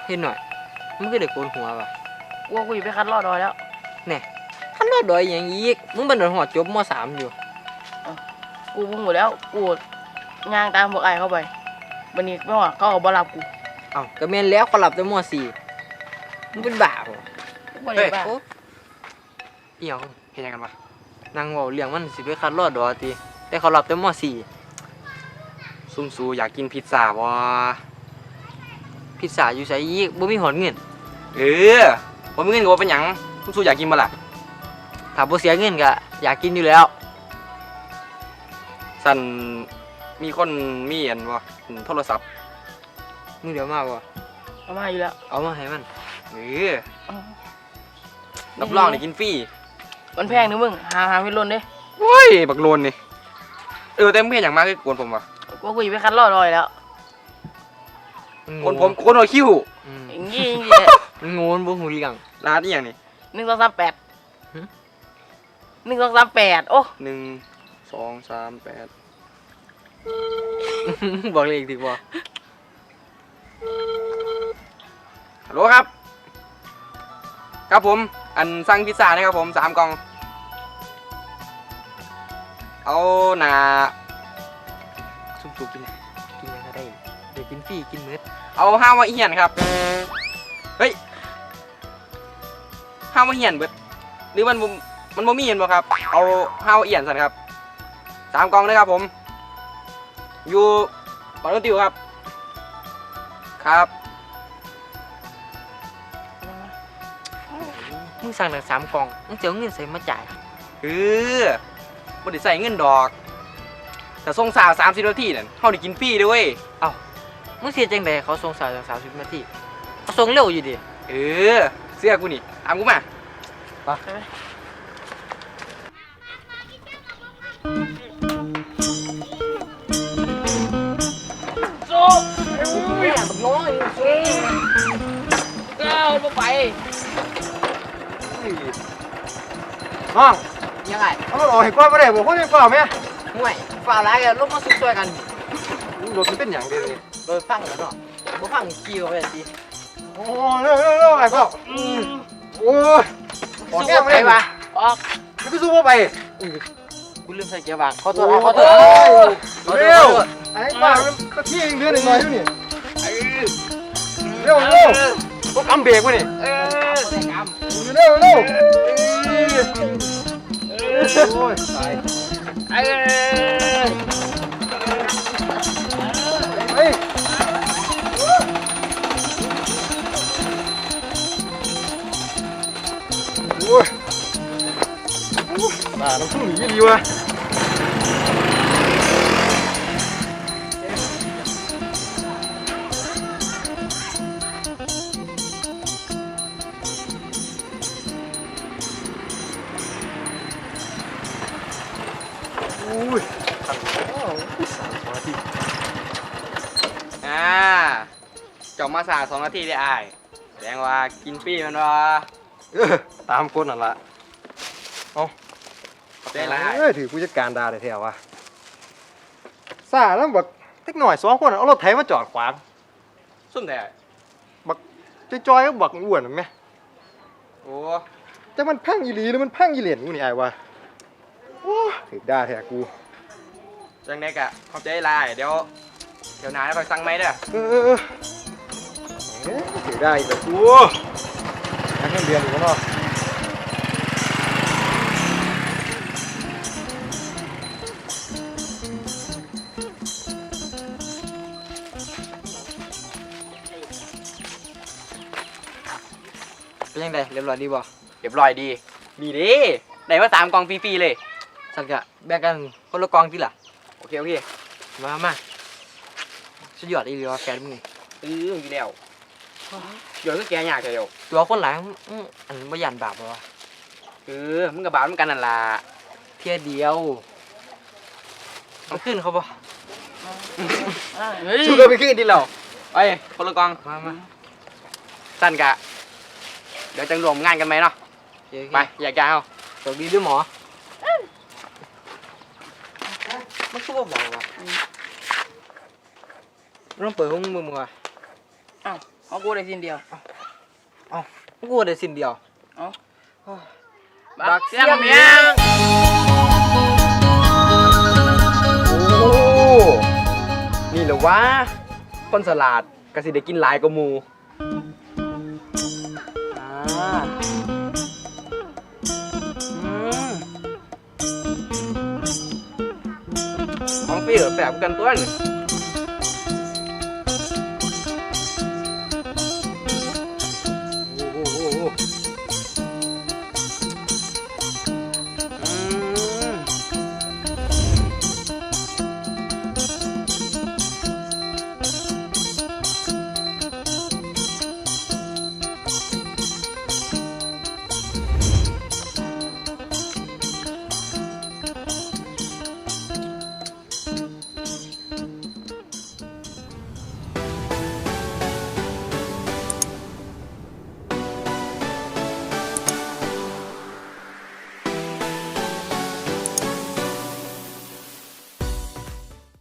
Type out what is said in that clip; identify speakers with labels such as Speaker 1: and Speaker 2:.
Speaker 1: เห็นหน่อยมึงก็เด็กโกนหัวป่ะ
Speaker 2: ว่ากูไปคัดลอดดอยแล้ว
Speaker 1: เนี่ยขั้นรอดดอยอย่างอีกมึงเป็นหอดจบม.3อยู่
Speaker 2: กูพุ่งหมดแล้วกูย่างตามพวกไอ้เข้าไปวันนี้ไม่ว่าเขาเอาบอลลับกู
Speaker 1: เอ้าก็แม่นแล้วเขาหลับแต่ม.4มึงเป็นบ้าเหรอ
Speaker 2: บ่ได้บ้า
Speaker 1: เอี่ยวเห็นยังกันวะนางบอกเรื่องมันสิไปคัดรอดดอยตีแต่เขาหลับแต่ม.4
Speaker 3: ซุ่มซูอยากกินพิซซ่าวะ
Speaker 1: พิซซ่าอยู่ไสอีกบ่มีหอดเงิน
Speaker 3: ผมมีเงินก็ว่าเป็นหยังซุ่มซูอยากกินบ่ล่ะ
Speaker 1: ถ้าบ่เสียเงินก็อยากกินอยู่แล้ว
Speaker 3: สั่นมีคนมีอันวะโทรศัพท์
Speaker 1: มึงเดี๋ยวมาบ่
Speaker 2: เอามาอยู่แล้ว
Speaker 1: เอามาให้มัน
Speaker 3: รับรองได้กินฟรี
Speaker 2: มันแพงนึงมึงหาไม่ล้นเด้
Speaker 3: โว้ยบักโลนนี่แต่มึงเห็นอย่างมากคือกวนผมวะ
Speaker 2: ว่ากูไปคัดลอดดอยแล้ว
Speaker 3: คนผมคนหัวคิ้ว
Speaker 2: อย่างงี้
Speaker 1: มันงูมันบ่หูเรื่อง
Speaker 3: ร้านนี่อย่างนี้
Speaker 2: 1238 1238โอ้
Speaker 3: 1238
Speaker 1: บอกเลขถูกบ่
Speaker 3: ฮัลโหลครับครับผมอันสั่งพิซซ่านะครับผม3 กล่องเอาหนา
Speaker 1: ซุ่มๆกินยังก็ได้เดี๋ยวกินฟรีกินมื้อ
Speaker 3: เอาห้าวมาเหียนครับเฮ้ยห้าวมาเหียนเบิดหรือมันบ่มีเห็นบ่ครับเอาห้าวเหียนสั่นครับ3 กล่องนะครับผมอยู่ปอนติวครับครับ
Speaker 1: มึงสั่งหนัง3 กล่องมึงจะเอาเงินใส่มาจ่าย
Speaker 3: บ่ได้ใส่เงินดอกแต่ส่งสาว30 นาทีนั่นเฮาได้กินฟรีด้วย
Speaker 1: เอ้ามึงเสียจังได๋เขาส่งสาว30 นาทีเขาส่งเร็วอยู่ดิ
Speaker 3: เสื้อกูนี่ตามกูมา
Speaker 1: ไป
Speaker 2: โซ่ไอ้มึงเนี่ยบักน้อยก้าวลงไป
Speaker 1: น้องยังไง
Speaker 4: เอารถออกให้ก่อนบ่ได้บ่คนยังเฝ้าแม่
Speaker 1: ห่วยฝ่าหลายก็ลงมาสุดช่วยกัน
Speaker 4: รถมันเป็นหยังเด้นี่
Speaker 1: โดยฟังแล้วเนาะบ่ฟังขี่เข้าไปสิ
Speaker 4: โอ้เร็วๆไอ้พ่อโอ้ยออกแก้มได้ป่ะ
Speaker 1: ออก
Speaker 4: กูสู้บ่ไป
Speaker 1: กูลืมใส่เกียร์ว่างขอโทษ
Speaker 4: เร็วไอ้ป้ามันก็ขี้เดือนหน่อยอยู่นี่เร็วบ่กำเบรกบ่นี่เร็วโอ้ยตายโอ้ยบ้าน้ำพุ่งหนีดีวะอุ้ย
Speaker 3: จบมา2 นาทีได้อ้ายแสดงว่ากินฟรีมันวะ
Speaker 4: ตามคนนั่นละเอา
Speaker 3: ได้ไร
Speaker 4: ถือผู้จัดการด่าได้แถววะซ่าแล้วบักเล็กหน่อย2 คนเอารถไถมาจอดขวาง
Speaker 3: ซุ่มแต่
Speaker 4: บักจอยๆก็บักอ้วนไหม
Speaker 3: โอ้
Speaker 4: แต่มันพังอีหลีหรือมันพังอีเหรียญกูนี่ไอ้วะโอ้ถือด่าแถวกู
Speaker 3: จังเด็กอะขอบใจไรเดี๋ยวนายไปสั่งไหมเด้อ
Speaker 4: ถือได้แต่กูนั่งเรียนอยู่ข้างนอก
Speaker 1: เป็นยังไงเรียบร้อยดีบ่
Speaker 3: เรียบร้อยดีดิไหนว่า3 กล่องฟรีๆเลย
Speaker 1: สักกะแบ่งกันคนละกล่องทีล่ะ
Speaker 3: โอเค
Speaker 1: มาสุดยอดอีหลีว่าแฟนมึงนี่
Speaker 3: อยู่แล้วเดี๋ยวก็แกยากเดียว
Speaker 1: ตัวคนหลายอันบ่ยันบาปบ่วะ
Speaker 3: มึงกับบาปเหมือนกันนั่นล่ะ
Speaker 1: เพียเดียวมันขึ้นเขาบ่
Speaker 3: ชูกันไปขึ้นดิเราไปคนละกอง
Speaker 1: มา
Speaker 3: สั้นกะเดี๋ยวจะรวมงานกันไหมเนาะไปอยากจะเอา
Speaker 1: สวัสดีด้วยหมอมันคือบ่บอกว่ะต้องเปิดห้องมึงว่ะ
Speaker 2: อ้าวเอากูได้สิ้นเดียว
Speaker 1: กูได้สิ้นเดียว
Speaker 2: เอา
Speaker 1: บักเสียง
Speaker 2: เมียง
Speaker 3: โอ้นี่แหละวะคนสลัดก็สิได้กินหลายกว่าหมูของฟรีเหรอแสบกันตัวนี่